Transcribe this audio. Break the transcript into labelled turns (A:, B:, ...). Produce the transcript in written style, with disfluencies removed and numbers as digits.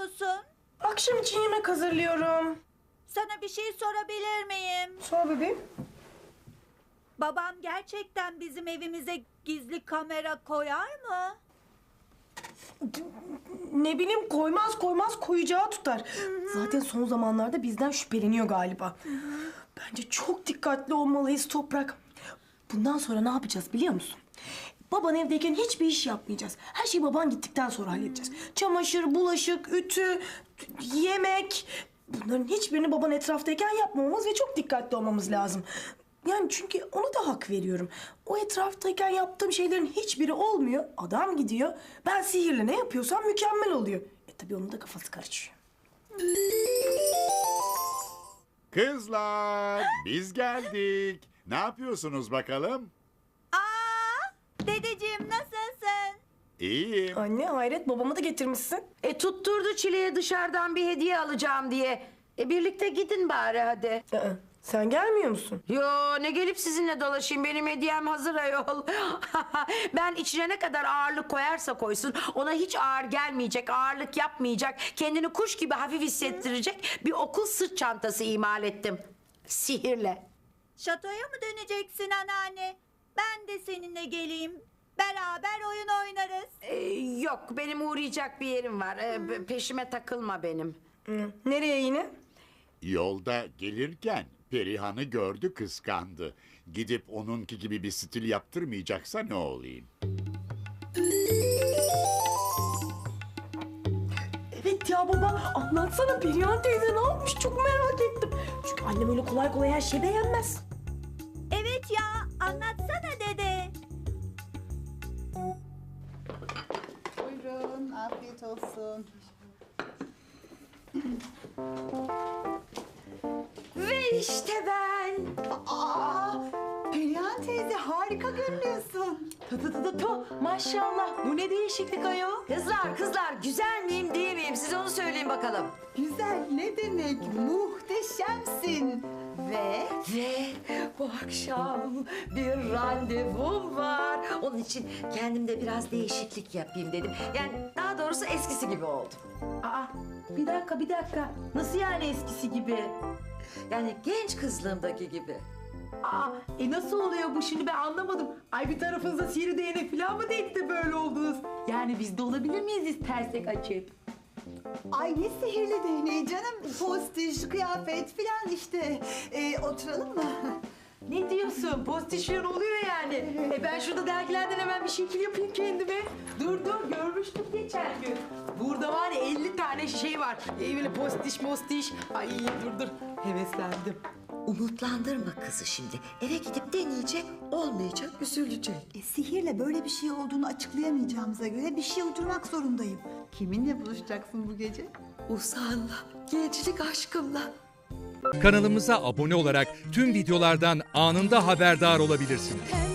A: yapıyorsun?
B: Akşam için yemek hazırlıyorum.
A: Sana bir şey sorabilir miyim?
B: Sor bebeğim.
A: Babam gerçekten bizim evimize gizli kamera koyar mı?
B: Ne bileyim, koymaz koyacağı tutar. Zaten son zamanlarda bizden şüpheleniyor galiba. Bence çok dikkatli olmalıyız Toprak. Bundan sonra ne yapacağız biliyor musun? Baban evdeyken hiçbir iş yapmayacağız. Her şeyi baban gittikten sonra halledeceğiz. Çamaşır, bulaşık, ütü, yemek. Bunların hiçbirini baban etraftayken yapmamamız ve çok dikkatli olmamız lazım. Yani çünkü ona da hak veriyorum. O etraftayken yaptığım şeylerin hiçbiri olmuyor. Adam gidiyor. Ben sihirle ne yapıyorsam mükemmel oluyor. Tabii onun da kafası karışıyor.
C: Kızlar, biz geldik. Ne yapıyorsunuz bakalım?
A: Dedeciğim nasılsın?
C: İyiyim.
B: Anne hayret, babamı da getirmişsin.
D: Tutturdu Çile'ye dışarıdan bir hediye alacağım diye. Birlikte gidin bari hadi.
B: Sen gelmiyor musun?
D: Yo, ne gelip sizinle dolaşayım, benim hediyem hazır ayol. Ben içine ne kadar ağırlık koyarsa koysun ona hiç ağır gelmeyecek, ağırlık yapmayacak, kendini kuş gibi hafif hissettirecek bir okul sırt çantası imal ettim. Sihirle.
A: Şatoya mı döneceksin anneanne? Ben de seninle geleyim. Beraber oyun oynarız.
D: Yok, benim uğrayacak bir yerim var. Peşime takılma benim.
B: Nereye yine?
C: Yolda gelirken Perihan'ı gördü, kıskandı. Gidip onunki gibi bir stil yaptırmayacaksa ne olayım?
B: Evet ya baba, anlatsana Perihan teyze ne yapmış, çok merak ettim. Çünkü annem öyle kolay kolay her şeyi beğenmez.
A: Evet ya, anlatsana dede.
E: Buyurun, afiyet olsun.
D: Ve işte ben.
E: Perihan teyze harika görünüyorsun.
D: Maşallah, bu ne değişiklik ayol. Kızlar, güzel miyim değil miyim? Siz onu söyleyin bakalım.
E: Güzel ne demek? Muhteşemsin. Ve
D: Ve bu akşam bir randevum var. Onun için kendimde biraz değişiklik yapayım dedim. Yani daha doğrusu eskisi gibi oldum.
F: Bir dakika. Nasıl yani eskisi gibi?
D: Yani genç kızlığımdaki gibi.
F: Nasıl oluyor bu şimdi, ben anlamadım. Ay, bir tarafınıza sihirli değnek falan mı değdi de böyle oldunuz? Yani biz de olabilir miyiz istersek açıp?
E: ay ne sihirli değneği canım. Postiş, kıyafet filan işte. Oturalım mı?
F: Ne diyorsun? Postişyon oluyor yani. Ben şurada dergilerden hemen bir şekil yapayım kendime. Dur görmüştük geçen gün. Burada var ya 50 tane şey var. Böyle postiş. Ay dur heveslendim.
D: Umutlandırma kızı şimdi. Eve gidip deneyecek, olmayacak, üzülecek.
E: Sihirle böyle bir şey olduğunu açıklayamayacağımıza göre bir şey uydurmak zorundayım. Kiminle buluşacaksın bu gece?
D: Uzanla, gençlik aşkımla.
G: Kanalımıza abone olarak tüm videolardan anında haberdar olabilirsiniz.